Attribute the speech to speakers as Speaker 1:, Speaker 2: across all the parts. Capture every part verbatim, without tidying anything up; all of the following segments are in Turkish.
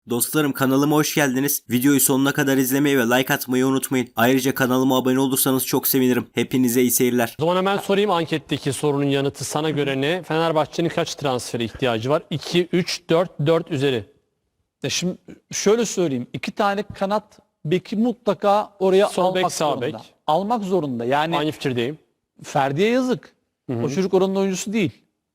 Speaker 1: Dostlarım kanalıma hoş geldiniz. Videoyu sonuna kadar izlemeyi ve like atmayı unutmayın. Ayrıca kanalıma abone olursanız çok sevinirim. Hepinize iyi seyirler.
Speaker 2: O zaman hemen sorayım anketteki sorunun yanıtı sana göre ne? Fenerbahçe'nin kaç transfere ihtiyacı var? iki, üç, dört, dört üzeri.
Speaker 3: Ya şimdi şöyle söyleyeyim. iki tane kanat beki mutlaka oraya
Speaker 2: Sol bek,
Speaker 3: almak
Speaker 2: sağ
Speaker 3: zorunda.
Speaker 2: bek.
Speaker 3: Almak zorunda. Yani
Speaker 2: Aynı fikirdeyim.
Speaker 3: Ferdi'ye yazık. O çocuk oranın oyuncusu değil.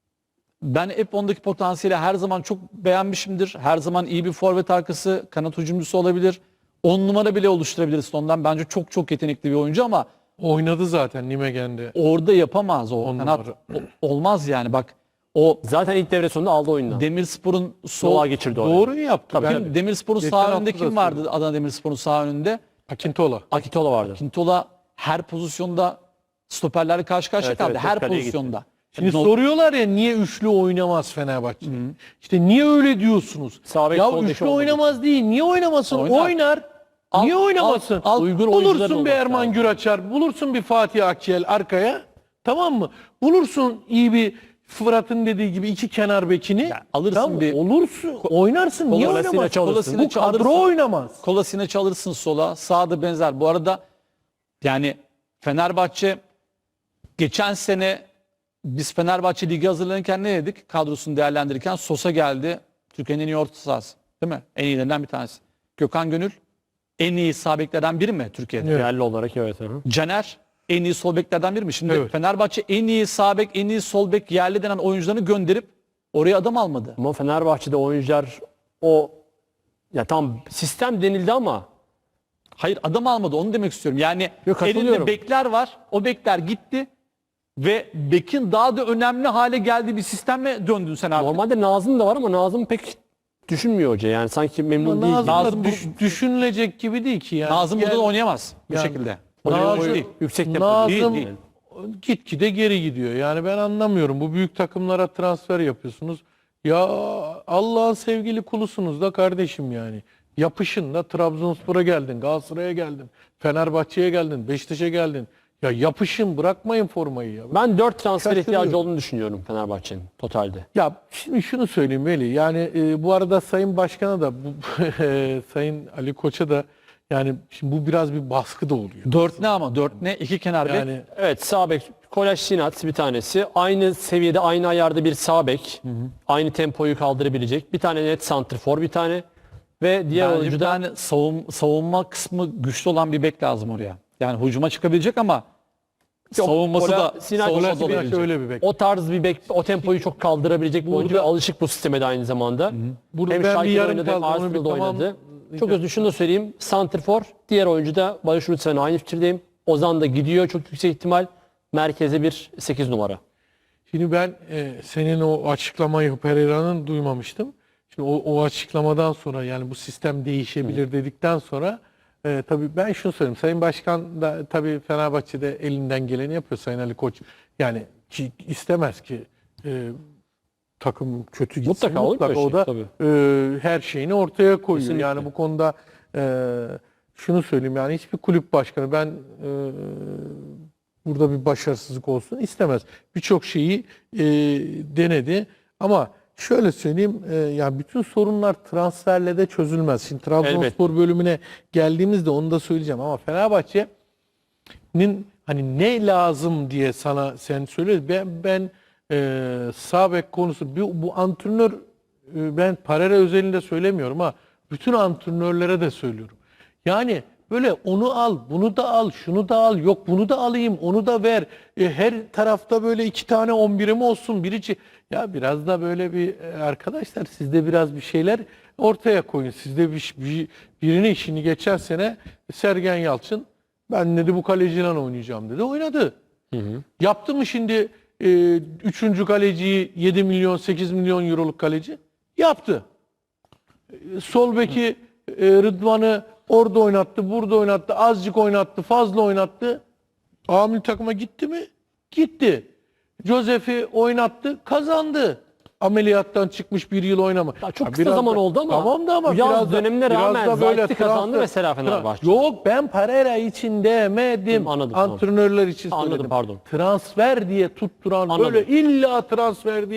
Speaker 3: Ben hep ondaki potansiyeli her zaman çok beğenmişimdir. Her zaman iyi bir forvet arkası, kanat hücumcusu olabilir. on numara bile oluşturabiliriz ondan. Bence çok çok yetenekli bir oyuncu ama
Speaker 4: Oynadı zaten Nimegen'de.
Speaker 3: orada yapamaz o
Speaker 4: On
Speaker 3: kanat.
Speaker 4: numara.
Speaker 3: O- olmaz yani bak. O
Speaker 2: Zaten ilk devre sonunda aldı oyundan.
Speaker 3: Demirspor'un sol
Speaker 2: Sola geçirdi oraya.
Speaker 4: Doğru yaptı.
Speaker 2: Tabii,
Speaker 4: Ben-
Speaker 3: Kim- Demirspor'un
Speaker 4: Geçen
Speaker 3: sağ
Speaker 4: hafta
Speaker 3: önünde
Speaker 4: da
Speaker 3: kim vardı?
Speaker 4: söyledim.
Speaker 3: Adana Demirspor'un sağ önünde.
Speaker 4: Akintola.
Speaker 2: Akintola vardı.
Speaker 3: Kintola her pozisyonda stoperlerle karşı karşıya
Speaker 2: Evet,
Speaker 3: kaldı.
Speaker 2: evet,
Speaker 3: her
Speaker 2: kaleye
Speaker 3: pozisyonda.
Speaker 4: Şimdi
Speaker 3: No-
Speaker 4: soruyorlar ya niye üçlü oynamaz Fenerbahçe? İşte niye öyle diyorsunuz?
Speaker 2: Sağ bek,
Speaker 4: ya
Speaker 2: sol bek
Speaker 4: üçlü
Speaker 2: olmadı.
Speaker 4: oynamaz değil. Niye oynamasın?
Speaker 3: Oynar.
Speaker 4: Oynar.
Speaker 3: Al-
Speaker 4: niye oynamasın?
Speaker 3: al- al-
Speaker 2: Uygun oyuncular
Speaker 4: bulursun bir
Speaker 2: olması
Speaker 4: Erman
Speaker 2: lazım.
Speaker 4: Güraçar, bulursun bir Fatih Akçel arkaya. Tamam mı? Bulursun iyi bir Fırat'ın dediği gibi iki kenar bekini.
Speaker 3: alırsın
Speaker 4: Tamam mı?
Speaker 3: bir-
Speaker 4: Olursun. Oynarsın. Niye
Speaker 2: Kolasinac
Speaker 4: oynamazsın?
Speaker 2: alırsın.
Speaker 4: Bu kadro oynamaz.
Speaker 3: Kolasinac alırsın sola. Sağda benzer. Bu arada yani Fenerbahçe geçen sene biz Fenerbahçe Ligi hazırlanırken ne dedik? Kadrosunu değerlendirirken Sosa geldi. Türkiye'nin en iyi orta sahası. Değil mi? En iyilerinden bir tanesi. Gökhan Gönül en iyi sağ beklerden biri mi Türkiye'de?
Speaker 4: Evet.
Speaker 2: Yerli olarak evet. Hı hı.
Speaker 3: Caner en iyi sol beklerden biri mi? Şimdi
Speaker 4: Evet.
Speaker 3: Fenerbahçe en iyi sağ bek, en iyi sol bek yerli denen oyuncularını gönderip oraya adam almadı.
Speaker 2: Ama Fenerbahçe'de oyuncular o ya tam sistem denildi ama
Speaker 3: Hayır adam almadı onu demek istiyorum. Yani
Speaker 2: Yok, katılıyorum.
Speaker 3: elinde bekler var. O bekler gitti ve bekin daha da önemli hale geldiği bir sisteme döndün sen artık.
Speaker 2: normalde Nazım da var ama Nazım pek düşünmüyor hoca. Yani sanki memnun değil.
Speaker 4: Nazım, da
Speaker 3: Nazım bu-
Speaker 4: düş- düşünülecek gibi değil ki yani.
Speaker 3: Nazım
Speaker 4: Gel-
Speaker 3: burada oynayamaz bu
Speaker 4: Yani-
Speaker 3: şekilde.
Speaker 4: Nazım-
Speaker 3: Oyun değil.
Speaker 2: Yüksek tempo
Speaker 4: Nazım
Speaker 2: değil, değil.
Speaker 4: gitgide geri gidiyor. Yani ben anlamıyorum. Bu büyük takımlara transfer yapıyorsunuz. Ya Allah'ın sevgili kulusunuz da kardeşim yani. Yapışın da Trabzonspor'a geldin, Galatasaray'a geldin, Fenerbahçe'ye geldin, Beşiktaş'a geldin. Ya yapışın, bırakmayın formayı ya.
Speaker 2: Ben dört transfer
Speaker 4: Şaşırıyorum.
Speaker 2: ihtiyacı olduğunu düşünüyorum Fenerbahçe'nin totalde.
Speaker 4: Ya şimdi şunu söyleyeyim Veli. Yani e, bu arada Sayın Başkan'a da bu e, Sayın Ali Koç'a da yani şimdi bu biraz bir baskı da oluyor.
Speaker 3: Dört ne ama? Dört ne? İki kenar bek.
Speaker 4: Yani
Speaker 2: Evet sağ bek Kolaj Sinat bir tanesi. Aynı seviyede aynı ayarda bir sağ bek. Aynı tempoyu kaldırabilecek. Bir tane net santrfor bir tane. Ve diğer
Speaker 3: Bence
Speaker 2: oyuncu
Speaker 3: bir
Speaker 2: da
Speaker 3: tane savun, savunma kısmı güçlü olan bir bek lazım oraya. Yani hücuma çıkabilecek ama
Speaker 2: Yok,
Speaker 3: savunması
Speaker 2: Kola-
Speaker 3: da
Speaker 2: Sinan
Speaker 3: savunması
Speaker 2: Kola-
Speaker 3: da
Speaker 4: Kolasinac
Speaker 3: olabilecek.
Speaker 4: öyle bir bek.
Speaker 2: o tarz bir bek, o tempoyu çok kaldırabilecek bir oyuncu ve
Speaker 4: Burada-
Speaker 2: alışık bu sisteme de aynı zamanda.
Speaker 4: Burada
Speaker 2: Hem
Speaker 4: ben bir
Speaker 2: Schalke'de
Speaker 4: yarım
Speaker 2: oynadı hem
Speaker 4: kaldı, onu bir
Speaker 2: Arsenal'da oynadı.
Speaker 4: tamamlayacağım.
Speaker 2: Çok özür şunu da söyleyeyim. Santrfor, diğer oyuncu da Barış Lütfen'le aynı fikirdeyim. Ozan da gidiyor çok yüksek ihtimal. Merkeze bir sekiz numara.
Speaker 4: Şimdi ben e, senin o açıklamayı Pereira'nın duymamıştım. Şimdi o, o açıklamadan sonra yani bu sistem değişebilir dedikten sonra e, tabii ben şunu söyleyeyim. Sayın Başkan da tabii Fenerbahçe'de elinden geleni yapıyor Sayın Ali Koç. Yani ki, istemez ki e, takım kötü gitsin.
Speaker 2: Mutlaka olur
Speaker 4: Mutlaka
Speaker 2: böyle
Speaker 4: o da
Speaker 2: şey,
Speaker 4: e, her şeyini ortaya koyuyor.
Speaker 2: Kesinlikle.
Speaker 4: Yani bu konuda e, şunu söyleyeyim yani hiçbir kulüp başkanı ben e, burada bir başarısızlık olsun istemez. Birçok şeyi e, denedi ama şöyle söyleyeyim e, yani bütün sorunlar transferle de çözülmez. Şimdi Trabzonspor bölümüne geldiğimizde onu da söyleyeceğim ama Fenerbahçe'nin hani ne lazım diye sana sen söyle ben ben e, sağ bek konusu bu, bu antrenör e, ben Parera özelinde söylemiyorum ha bütün antrenörlere de söylüyorum. Yani böyle onu al, bunu da al, şunu da al, yok bunu da alayım, onu da ver. E, her tarafta böyle iki tane on birim olsun, birici. Ya biraz da böyle bir e, arkadaşlar siz de biraz bir şeyler ortaya koyun. Siz de bir, bir, birine işini geçen sene Sergen Yalçın ben dedi bu kaleciyle oynayacağım dedi. Oynadı. Yaptı mı şimdi e, üçüncü kaleciyi yedi milyon sekiz milyon euroluk kaleci? Yaptı. E, Sol beki e, Rıdvan'ı orada oynattı, burada oynattı, azıcık oynattı, fazla oynattı. A milli takıma gitti mi? Gitti. Josef'i oynattı, kazandı. Ameliyattan çıkmış bir yıl oynama.
Speaker 2: Ya çok
Speaker 4: Ha,
Speaker 2: kısa
Speaker 4: biraz
Speaker 2: zaman
Speaker 4: da-
Speaker 2: oldu ama
Speaker 4: tamam da ama
Speaker 2: yaz
Speaker 4: biraz da-
Speaker 2: dönemine
Speaker 4: biraz
Speaker 2: rağmen
Speaker 4: da böyle
Speaker 2: Zayt'i kazandı
Speaker 4: transfer-
Speaker 2: mesela Fenerbahçe.
Speaker 4: Yok ben Pereira için demedim.
Speaker 2: Anladım, tamam.
Speaker 4: Antrenörler için
Speaker 2: Anladım,
Speaker 4: söyledim.
Speaker 2: pardon.
Speaker 4: Transfer diye tutturan
Speaker 2: Anladım.
Speaker 4: böyle illa transfer diye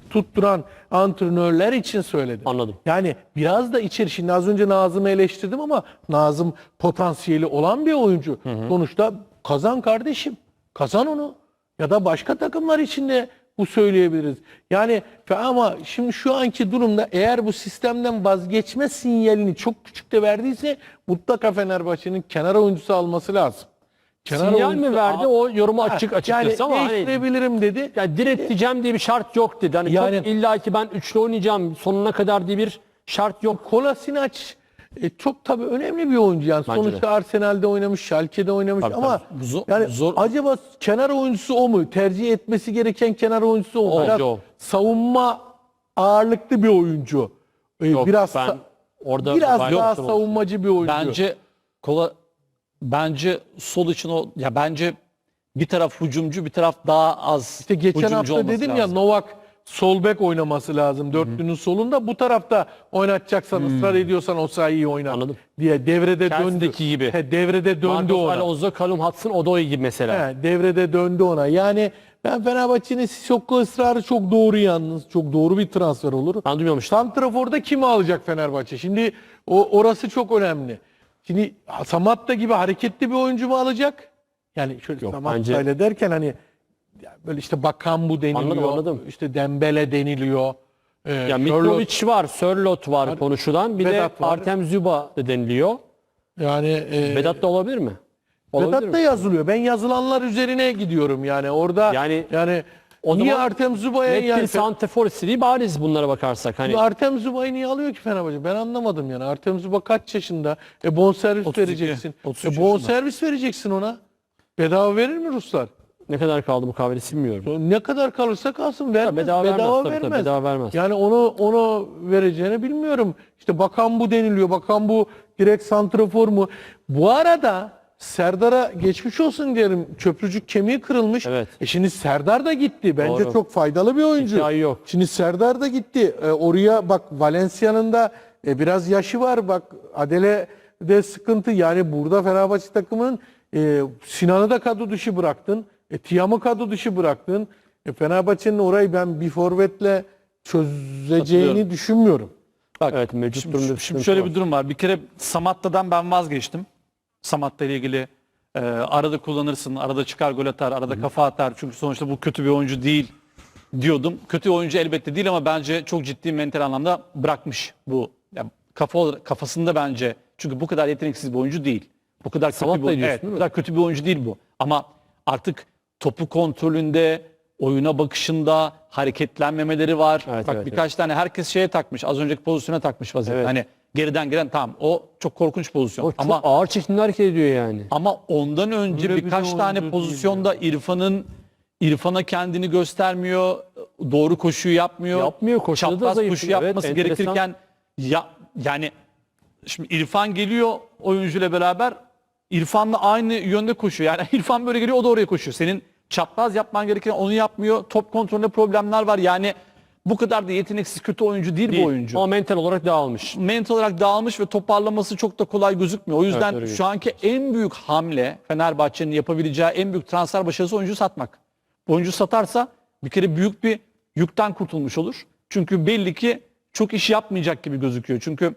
Speaker 4: tutturan antrenörler için söyledim.
Speaker 2: Anladım.
Speaker 4: Yani biraz da içeri, şimdi az önce Nazım'ı eleştirdim ama Nazım potansiyeli olan bir oyuncu. Sonuçta kazan kardeşim. Kazan onu. Ya da başka takımlar için de bu söyleyebiliriz. Yani ama şimdi şu anki durumda eğer bu sistemden vazgeçme sinyalini çok küçük de verdiyse mutlaka Fenerbahçe'nin kenar oyuncusu alması lazım. Kenar
Speaker 2: Sinyal
Speaker 4: oyuncusu
Speaker 2: mi verdi?
Speaker 4: al-
Speaker 2: O yorumu açık
Speaker 4: Ha,
Speaker 2: açıkçası
Speaker 4: yani
Speaker 2: ama hani
Speaker 4: değiştirebilirim dedi.
Speaker 2: yani direteceğim diye bir şart yok dedi. Hani
Speaker 4: Yani-
Speaker 2: çok illa ki ben üçlü oynayacağım sonuna kadar diye bir şart yok.
Speaker 4: Kolasinac e, çok tabii önemli bir oyuncu yani.
Speaker 2: Bence
Speaker 4: Sonuçta
Speaker 2: de.
Speaker 4: Arsenal'de oynamış, Schalke'de oynamış
Speaker 2: Tabii,
Speaker 4: ama
Speaker 3: tabii. Zor-
Speaker 4: yani
Speaker 3: zor-
Speaker 4: acaba kenar oyuncusu o mu? Tercih etmesi gereken kenar oyuncusu o mu?
Speaker 2: O,
Speaker 4: Biraz
Speaker 2: o.
Speaker 4: savunma ağırlıklı bir oyuncu. E,
Speaker 2: Yok,
Speaker 4: biraz
Speaker 2: ben
Speaker 4: sa-
Speaker 2: orada
Speaker 4: biraz
Speaker 2: gayet
Speaker 4: daha
Speaker 2: haklısın.
Speaker 4: savunmacı bir oyuncu.
Speaker 3: Bence kola bence sol için o ya bence bir taraf hücumcu, bir taraf daha az
Speaker 4: İşte geçen
Speaker 3: hücumcu
Speaker 4: hafta
Speaker 3: olması
Speaker 4: dedim ya
Speaker 3: lazım.
Speaker 4: Novak sol bek oynaması lazım dörtlünün solunda. Bu tarafta oynatacaksan ısrar ediyorsan o sayıyı oynat
Speaker 2: Anladım.
Speaker 4: diye devrede döndü.
Speaker 2: Chelsea'deki gibi.
Speaker 4: He, devrede döndü
Speaker 2: Marcos
Speaker 4: ona.
Speaker 2: Alonso, Callum Hudson-Odoi gibi mesela.
Speaker 4: He, devrede döndü ona. Yani ben Fenerbahçe'nin Sissoko ısrarı çok doğru yalnız. Çok doğru bir transfer olur.
Speaker 2: Ben duymamıştım.
Speaker 4: Santrafor'da kimi alacak Fenerbahçe? Şimdi o orası çok önemli. Şimdi Samatta gibi hareketli bir oyuncu mu alacak? Yani şöyle
Speaker 2: Yok,
Speaker 4: Samatta
Speaker 2: bence-
Speaker 4: ile derken hani ya böyle işte Bakambu deniliyor.
Speaker 2: Anladım, anladım.
Speaker 4: İşte Dembele deniliyor. Ee,
Speaker 2: Ya
Speaker 4: Sherlock-
Speaker 2: Mitrovic var, Sörloth var konuşulan. Bir
Speaker 4: Vedat
Speaker 2: de
Speaker 4: var.
Speaker 2: Artem Zuba da deniliyor.
Speaker 4: yani e,
Speaker 2: Vedat da olabilir mi? Olabilir
Speaker 4: Vedat da
Speaker 2: mi?
Speaker 4: yazılıyor. Ben yazılanlar üzerine gidiyorum yani. Orada
Speaker 2: Yani
Speaker 4: yani
Speaker 2: o
Speaker 4: niye
Speaker 2: zaman
Speaker 4: Artem Zuba'ya
Speaker 2: Net
Speaker 4: yani
Speaker 2: bir santrafor istediği bariz bunlara bakarsak. Hani
Speaker 4: Artem Zuba'yı niye alıyor ki Fenerbahçe? Ben anlamadım yani. Artem Zuba kaç yaşında? E bonservis
Speaker 3: otuz iki,
Speaker 4: vereceksin.
Speaker 3: otuz
Speaker 4: E
Speaker 3: üç
Speaker 4: bonservis vereceksin ona. Bedava verir mi Ruslar?
Speaker 2: ne kadar kaldı mukavelesi bilmiyorum.
Speaker 4: Ne kadar kalırsa kalsın vermez.
Speaker 2: bedava vermez, tabii, tabii,
Speaker 4: vermez.
Speaker 2: bedava vermez.
Speaker 4: Yani onu onu vereceğini bilmiyorum. İşte bakan bu deniliyor. Bakan bu direkt santrafor mu? Bu arada Serdar'a geçmiş olsun diyelim. Çöprücük kemiği kırılmış.
Speaker 2: Evet.
Speaker 4: E şimdi Serdar da gitti. Bence
Speaker 2: Doğru.
Speaker 4: çok faydalı bir oyuncu.
Speaker 2: Hikaye yok.
Speaker 4: Şimdi Serdar da gitti. E, oraya bak Valencia'nın da e, biraz yaşı var. Bak Adele de sıkıntı. Yani burada Fenerbahçe takımının e, Sinan'ı da kadro dışı bıraktın. E, Tiam'ı kadro dışı bıraktın. E, Fenerbahçe'nin orayı ben bir forvetle çözeceğini
Speaker 3: Katılıyorum.
Speaker 4: düşünmüyorum.
Speaker 3: Bak,
Speaker 2: Evet, mevcut
Speaker 3: şimdi,
Speaker 2: durumda bir
Speaker 3: şimdi
Speaker 2: sıkıntı
Speaker 3: şöyle
Speaker 2: var.
Speaker 3: bir durum var. Bir kere Samatta'dan ben vazgeçtim. Samatta ile ilgili e, arada kullanırsın, arada çıkar gol atar, arada kafa atar. Çünkü sonuçta bu kötü bir oyuncu değil diyordum. Kötü oyuncu elbette değil ama bence çok ciddi mental anlamda bırakmış bu. Yani kafa olarak- kafasında bence çünkü bu kadar yeteneksiz bir oyuncu değil. Bu kadar kötü
Speaker 2: Samatta
Speaker 3: bir,
Speaker 2: diyorsun,
Speaker 3: evet,
Speaker 2: değil
Speaker 3: bu
Speaker 2: mi?
Speaker 3: kadar kötü bir oyuncu değil bu. Ama artık topu kontrolünde, oyuna bakışında hareketlenmemeleri var.
Speaker 2: Evet,
Speaker 3: Bak
Speaker 2: evet,
Speaker 3: birkaç tane herkes şeye takmış. Az önceki pozisyona takmış vaziyette.
Speaker 2: Evet.
Speaker 3: Hani geriden gelen tamam o çok korkunç pozisyon.
Speaker 2: O çok
Speaker 3: ama
Speaker 2: ağır çekimli hareket ediyor yani.
Speaker 3: ama ondan önce
Speaker 4: Öyle bir
Speaker 3: birkaç
Speaker 4: de
Speaker 3: tane
Speaker 4: oyuncu
Speaker 3: pozisyonda İrfan'ın İrfan'a kendini göstermiyor. Doğru koşuyu yapmıyor.
Speaker 2: Yapmıyor, koşuda da
Speaker 3: Çapraz
Speaker 2: zayıf.
Speaker 3: koşu
Speaker 2: Evet,
Speaker 3: yapması
Speaker 2: enteresan.
Speaker 3: gerekirken ya yani şimdi İrfan geliyor oyuncuyla beraber İrfan'la aynı yönde koşuyor. Yani İrfan böyle geliyor o da oraya koşuyor. Senin çapraz yapman gereken onu yapmıyor. Top kontrolünde problemler var. Yani bu kadar da yeteneksiz kötü oyuncu değil,
Speaker 2: Değil.
Speaker 3: bu oyuncu.
Speaker 2: Ama mental olarak dağılmış.
Speaker 3: Mental olarak dağılmış ve toparlaması çok da kolay gözükmüyor. O yüzden
Speaker 2: öyle
Speaker 3: şu anki en büyük hamle Fenerbahçe'nin yapabileceği en büyük transfer başarısı oyuncu satmak. Bu oyuncu satarsa bir kere büyük bir yükten kurtulmuş olur. Çünkü belli ki çok iş yapmayacak gibi gözüküyor. Çünkü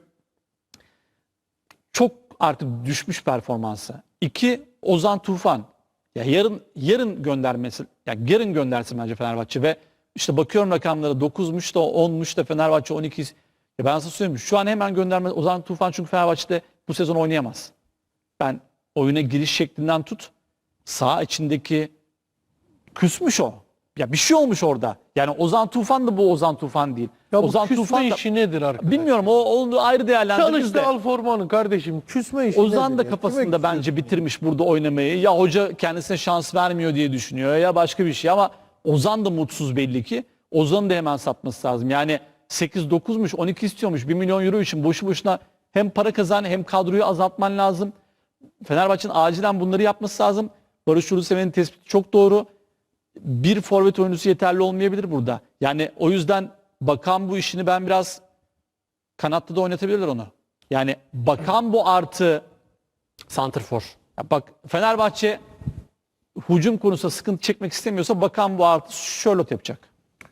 Speaker 3: çok artık düşmüş performansı. İki, Ozan Tufan. Ya yarın yarın göndermesi, ya yarın göndersin bence Fenerbahçe ve işte bakıyorum rakamlara dokuzmuş da onmuş da Fenerbahçe on iki. Ya ben size söyleyeyim şu an hemen gönderme Ozan Tufan çünkü Fenerbahçe'de bu sezon oynayamaz. Ben oyuna giriş şeklinden tut saha içindeki küsmüş o. Ya bir şey olmuş orada. Yani Ozan Tufan da bu Ozan Tufan değil.
Speaker 4: Ya bu
Speaker 3: Ozan
Speaker 4: küsme
Speaker 3: Tufan da
Speaker 4: işi nedir arkadaş?
Speaker 3: bilmiyorum o onu ayrı değerlendiririz
Speaker 4: Çalış
Speaker 3: de.
Speaker 4: da al formanı kardeşim. Küsme işi
Speaker 3: Ozan
Speaker 4: nedir
Speaker 3: da
Speaker 4: ya?
Speaker 3: kafasında
Speaker 4: Kime
Speaker 3: bence
Speaker 4: küsüyorsun?
Speaker 3: bitirmiş burada oynamayı. Ya hoca kendisine şans vermiyor diye düşünüyor ya başka bir şey ama Ozan da mutsuz belli ki. Ozan'ı da hemen satması lazım. Yani sekiz dokuzmuş on iki istiyormuş bir milyon euro için boşu boşuna hem para kazan hem kadroyu azaltman lazım. Fenerbahçe'nin acilen bunları yapması lazım. Barış Uluseven'in tespiti çok doğru. Bir forvet oyuncusu yeterli olmayabilir burada. Yani o yüzden Bakan bu işini ben biraz kanatta da oynatabilirler onu. Yani Bakan bu artı
Speaker 2: Santrfor.
Speaker 3: ya bak Fenerbahçe hücum konusunda sıkıntı çekmek istemiyorsa Bakan bu artı Charlotte yapacak.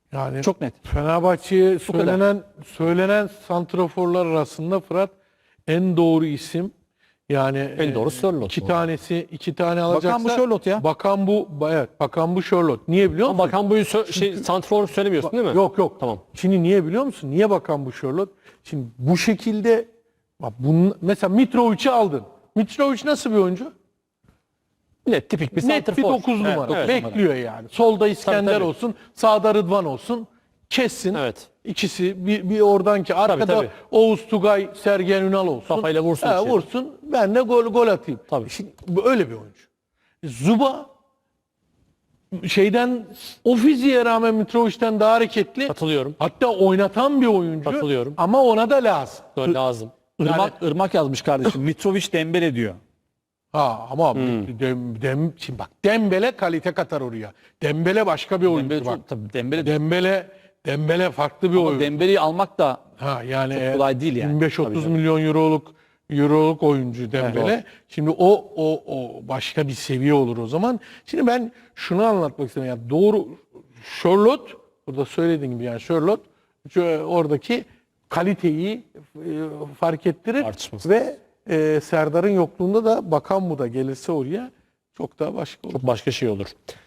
Speaker 4: Yani
Speaker 3: Çok net.
Speaker 4: Fenerbahçe'ye
Speaker 3: Bu kadar.
Speaker 4: söylenen söylenen santraforlar arasında Fırat en doğru isim. Yani
Speaker 2: En doğru
Speaker 4: e,
Speaker 2: Sörloth
Speaker 4: iki
Speaker 2: bu.
Speaker 4: tanesi iki tane alacaksa.
Speaker 3: bu Sörloth ya.
Speaker 4: Bakan bu evet Bakan bu Sörloth. Niye biliyor musun?
Speaker 2: Ama Bakan Bu'yu sö- şey, santrfor söylemiyorsun değil mi?
Speaker 4: Yok yok.
Speaker 2: Tamam.
Speaker 4: Şimdi niye biliyor musun? Niye Bakan bu Sörloth? Şimdi bu şekilde bak bunun, mesela Mitrovic'i aldın. Mitrovic nasıl bir oyuncu?
Speaker 2: Net tipik bir
Speaker 4: Net
Speaker 2: santrfor.
Speaker 4: bir dokuz
Speaker 2: Evet,
Speaker 4: numara.
Speaker 2: evet.
Speaker 4: Bekliyor yani. Solda İskender
Speaker 2: tabii.
Speaker 4: olsun, sağda Rıdvan olsun. Kessin.
Speaker 2: Evet.
Speaker 4: İkisi bir, bir oradan ki arkada
Speaker 2: tabii.
Speaker 4: Oğuz Tugay, Sergen Ünal olsun.
Speaker 2: Kafayla vursun
Speaker 4: He,
Speaker 2: içeri.
Speaker 4: vursun. Ben de gol gol atayım.
Speaker 2: Tabii.
Speaker 4: Şimdi bu öyle bir oyuncu. Zuba şeyden o fiziğe rağmen Mitrovic'ten daha hareketli.
Speaker 2: Katılıyorum.
Speaker 4: Hatta oynatan bir oyuncu.
Speaker 2: Katılıyorum.
Speaker 4: Ama ona da lazım.
Speaker 2: Gol lazım.
Speaker 3: Irmak, Irmak yazmış kardeşim. Mitrovic Dembele diyor.
Speaker 4: Ha ama
Speaker 2: Hmm.
Speaker 4: dem, dem, şimdi bak Dembele kalite katar oraya. Dembele başka bir oyuncu
Speaker 3: Dembele
Speaker 4: bak.
Speaker 3: çok, tabii Dembele de-
Speaker 4: Dembele Dembele farklı bir
Speaker 3: ama
Speaker 4: oyuncu.
Speaker 3: Dembele'yi almak da
Speaker 4: Ha yani
Speaker 3: çok
Speaker 4: eğer
Speaker 3: kolay değil yani.
Speaker 4: yirmi beş otuz
Speaker 2: Tabii canım.
Speaker 4: milyon euroluk euroluk oyuncu Dembele.
Speaker 3: Evet.
Speaker 4: Şimdi o o o başka bir seviye olur o zaman. Şimdi ben şunu anlatmak istiyorum. Yani doğru Sörloth burada söylediğim gibi yani Sörloth şu, oradaki kaliteyi e, fark ettirir
Speaker 2: Tartışmasız.
Speaker 4: ve e, Serdar'ın yokluğunda da Bakan bu da gelirse oraya çok daha başka olur.
Speaker 2: Çok başka şey olur.